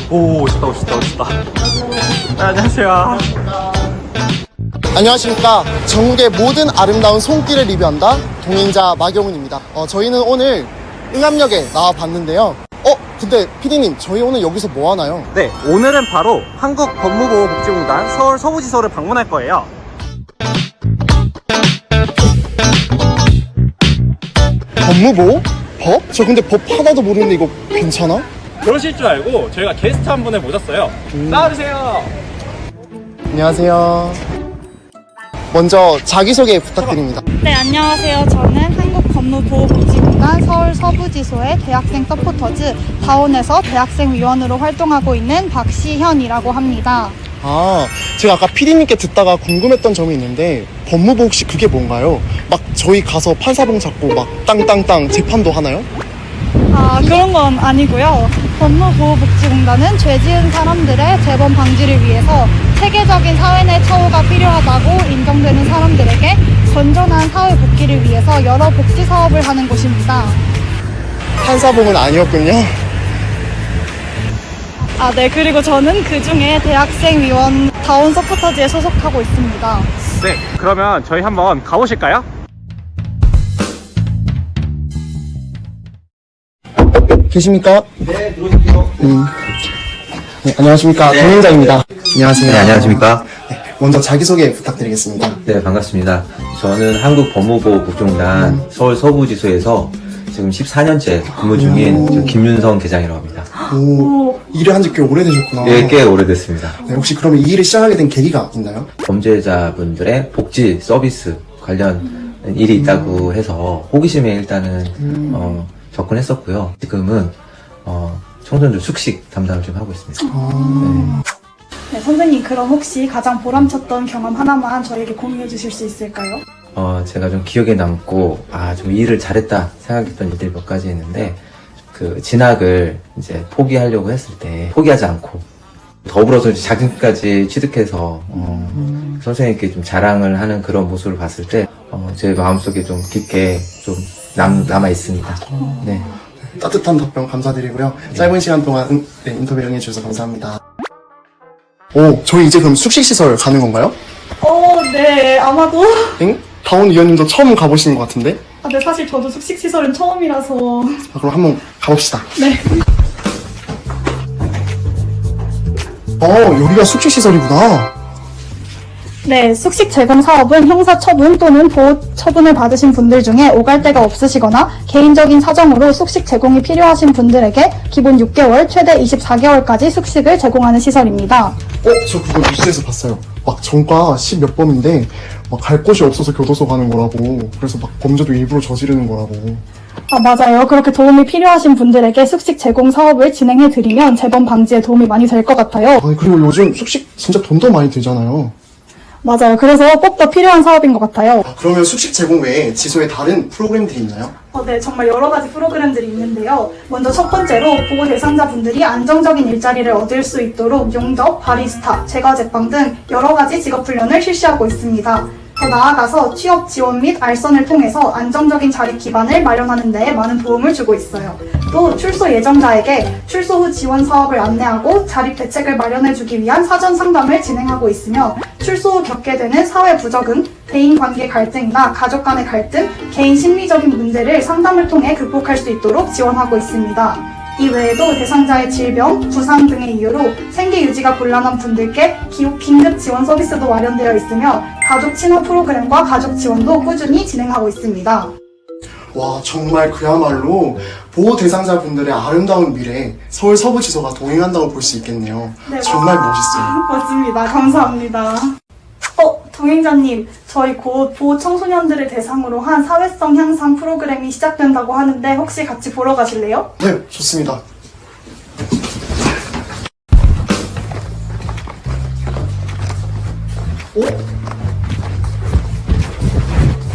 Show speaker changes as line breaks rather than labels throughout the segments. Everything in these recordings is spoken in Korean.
오, 오셨다. 네, 안녕하세요.
안녕하십니까. 전국의 모든 아름다운 손길을 리뷰한다 동행자 마경훈입니다. 저희는 오늘 응암역에 나와봤는데요. 근데 PD님, 저희 오늘 여기서 뭐 하나요?
네, 오늘은 바로 한국법무보호복지공단 서울 서부지소를 방문할 거예요.
법무보호? 법? 저 근데 법 하나도 모르는데 이거 괜찮아?
그러실 줄 알고 저희가 게스트 한 분을 모셨어요. 나와주세요.
안녕하세요. 먼저 자기소개 부탁드립니다.
네, 안녕하세요. 저는 한국법무보호복지공단 서울 서부지소의 대학생 서포터즈 다온에서 대학생위원으로 활동하고 있는 박시현이라고 합니다.
제가 아까 PD님께 듣다가 궁금했던 점이 있는데 법무부 혹시 그게 뭔가요? 막 저희 가서 판사봉 잡고 막 땅땅땅 재판도 하나요?
그런 건 아니고요. 법무보호복지공단은 죄 지은 사람들의 재범 방지를 위해서 체계적인 사회 내 처우가 필요하다고 인정되는 사람들에게 건전한 사회 복귀를 위해서 여러 복지 사업을 하는 곳입니다.
판사봉은 아니었군요.
네, 그리고 저는 그 중에 대학생위원 다온 서포터즈에 소속하고 있습니다.
네, 그러면 저희 한번 가보실까요?
계십니까?
네, 들어오십시오.
네, 안녕하십니까. 동행자입니다. 안녕하세요.
네, 안녕하십니까.
먼저 자기소개 부탁드리겠습니다.
네, 반갑습니다. 저는 한국법무보호복지공단 서울 서부지소에서 지금 14년째 근무 중인 저 김윤성 계장이라고 합니다.
일을 한 지 꽤 오래되셨구나.
예, 꽤 오래됐습니다.
네, 혹시 그러면 이 일을 시작하게 된 계기가 있나요?
범죄자분들의 복지 서비스 관련 일이 있다고 해서 호기심에 일단은 접근했었고요. 지금은 청소년들 숙식 담당을 좀 하고 있습니다.
네, 선생님, 그럼 혹시 가장 보람찼던 경험 하나만 저에게 공유해 주실 수 있을까요?
제가 좀 기억에 남고 좀 일을 잘했다 생각했던 일들이 몇 가지 있는데, 그 진학을 이제 포기하려고 했을 때 포기하지 않고 더불어서 이제 자격까지 취득해서 선생님께 좀 자랑을 하는 그런 모습을 봤을 때 제 마음속에 좀 깊게 좀 남아 있습니다. 네.
따뜻한 답변 감사드리고요. 짧은 시간 동안 인터뷰 응해주셔서 감사합니다. 저희 이제 그럼 숙식시설 가는 건가요?
네, 아마도.
응? 다온 위원님도 처음 가보시는 것 같은데?
네, 사실 저도 숙식시설은 처음이라서.
그럼 한번 가봅시다.
네.
여기가 숙식시설이구나.
네, 숙식 제공 사업은 형사 처분 또는 보호 처분을 받으신 분들 중에 오갈 데가 없으시거나 개인적인 사정으로 숙식 제공이 필요하신 분들에게 기본 6개월, 최대 24개월까지 숙식을 제공하는 시설입니다.
저 그거 뉴스에서 봤어요. 막 전과 10몇 범인데 막 갈 곳이 없어서 교도소 가는 거라고. 그래서 막 범죄도 일부러 저지르는 거라고.
맞아요. 그렇게 도움이 필요하신 분들에게 숙식 제공 사업을 진행해드리면 재범 방지에 도움이 많이 될 것 같아요.
그리고 요즘 숙식 진짜 돈도 많이 들잖아요.
맞아요. 그래서 꼭 더 필요한 사업인 것 같아요.
그러면 숙식 제공 외에 지소에 다른 프로그램들이 있나요?
네, 정말 여러 가지 프로그램들이 있는데요. 먼저 첫 번째로 보호 대상자분들이 안정적인 일자리를 얻을 수 있도록 용접, 바리스타, 제과 제빵 등 여러 가지 직업 훈련을 실시하고 있습니다. 더 나아가서 취업 지원 및 알선을 통해서 안정적인 자립 기반을 마련하는 데 많은 도움을 주고 있어요. 또 출소 예정자에게 출소 후 지원 사업을 안내하고 자립 대책을 마련해주기 위한 사전 상담을 진행하고 있으며, 출소 후 겪게 되는 사회 부적응, 대인관계 갈등이나 가족 간의 갈등, 개인 심리적인 문제를 상담을 통해 극복할 수 있도록 지원하고 있습니다. 이 외에도 대상자의 질병, 부상 등의 이유로 생계 유지가 곤란한 분들께 긴급 지원 서비스도 마련되어 있으며, 가족 친화 프로그램과 가족 지원도 꾸준히 진행하고 있습니다.
와, 정말 그야말로 보호 대상자분들의 아름다운 미래, 서울 서부지소가 동행한다고 볼 수 있겠네요.
네,
정말 멋있어요.
맞습니다. 감사합니다. 동행자님, 저희 곧 보호 청소년들을 대상으로 한 사회성 향상 프로그램이 시작된다고 하는데 혹시 같이 보러 가실래요?
네, 좋습니다.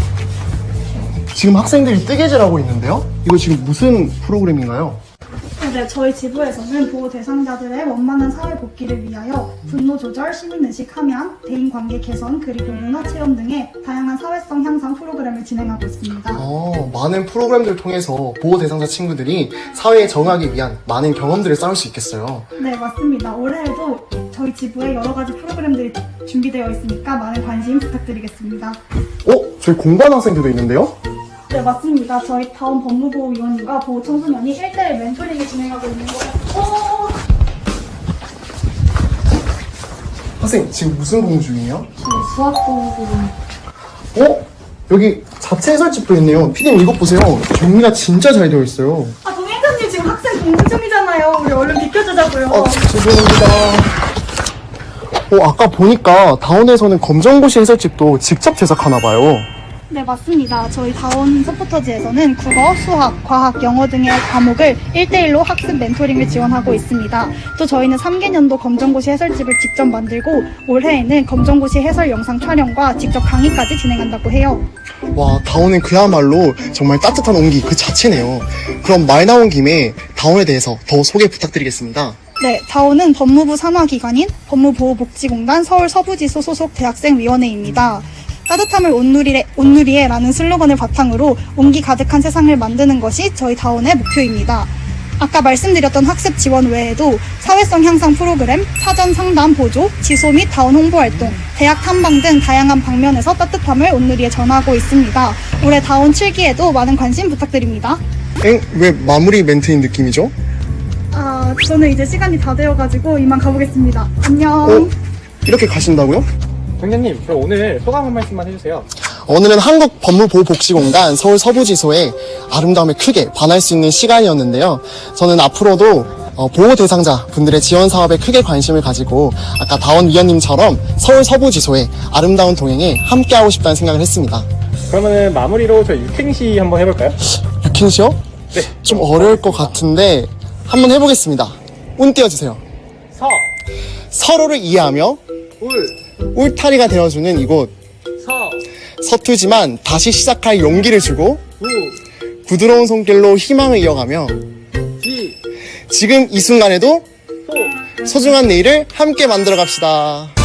지금 학생들이 뜨개질하고 있는데요? 이거 지금 무슨 프로그램인가요?
네, 저희 지부에서는 보호 대상자들의 원만한 사회 복귀를 위하여 분노 조절, 시민의식 함양, 대인관계 개선, 그리고 문화 체험 등의 다양한 사회성 향상 프로그램을 진행하고 있습니다.
많은 프로그램들을 통해서 보호 대상자 친구들이 사회에 적응하기 위한 많은 경험들을 쌓을 수 있겠어요.
네, 맞습니다. 올해에도 저희 지부에 여러 가지 프로그램들이 준비되어 있으니까 많은 관심 부탁드리겠습니다.
저희 공부하는 학생들도 있는데요?
네, 맞습니다. 저희 다운 법무보호위원님과 보호청소년이 1대1 멘토링을 진행하고 있는 거예요.
학생, 지금 무슨 공부 중이에요?
저희 수학 공부.
여기 자체 해설집도 있네요. 피디님 이거 보세요. 정리가 진짜 잘 되어 있어요.
동행자님 지금 학생 공부 중이잖아요. 우리 얼른 비켜주자고요.
죄송합니다. 아까 보니까 다운에서는 검정고시 해설집도 직접 제작하나 봐요.
네, 맞습니다. 저희 다운 서포터즈에서는 국어, 수학, 과학, 영어 등의 과목을 1대1로 학습 멘토링을 지원하고 있습니다. 또 저희는 3개년도 검정고시 해설집을 직접 만들고 올해에는 검정고시 해설 영상 촬영과 직접 강의까지 진행한다고 해요.
와, 다운은 그야말로 정말 따뜻한 온기 그 자체네요. 그럼 말 나온 김에 다운에 대해서 더 소개 부탁드리겠습니다.
네, 다운은 법무부 산하기관인 법무보호복지공단 서울서부지소 소속 대학생위원회입니다. 따뜻함을 온누리에라는 슬로건을 바탕으로 온기 가득한 세상을 만드는 것이 저희 다운의 목표입니다. 아까 말씀드렸던 학습 지원 외에도 사회성 향상 프로그램, 사전 상담 보조, 지소 및 다운 홍보 활동, 대학 탐방 등 다양한 방면에서 따뜻함을 온누리에 전하고 있습니다. 올해 다운 7기에도 많은 관심 부탁드립니다.
왜 마무리 멘트인 느낌이죠?
저는 이제 시간이 다 되어가지고 이만 가보겠습니다. 안녕.
이렇게 가신다고요?
동장님, 저 오늘 소감 한 말씀만 해주세요.
오늘은 한국법무보호복지공단 서울서부지소의 아름다움에 크게 반할 수 있는 시간이었는데요. 저는 앞으로도 보호 대상자 분들의 지원 사업에 크게 관심을 가지고 아까 다원 위원님처럼 서울서부지소의 아름다운 동행에 함께하고 싶다는 생각을 했습니다.
그러면은 마무리로 저희 육행시 한번 해볼까요?
육행시요?
네.
좀 어려울 것 같은데 한번 해보겠습니다. 운 띄워주세요.
서,
서로를 이해하며
울,
울타리가 되어주는 이곳.
서,
서투지만 다시 시작할 용기를 주고
우,
부드러운 손길로 희망을 이어가며
지,
지금 이 순간에도
소.
소중한 내일을 함께 만들어 갑시다.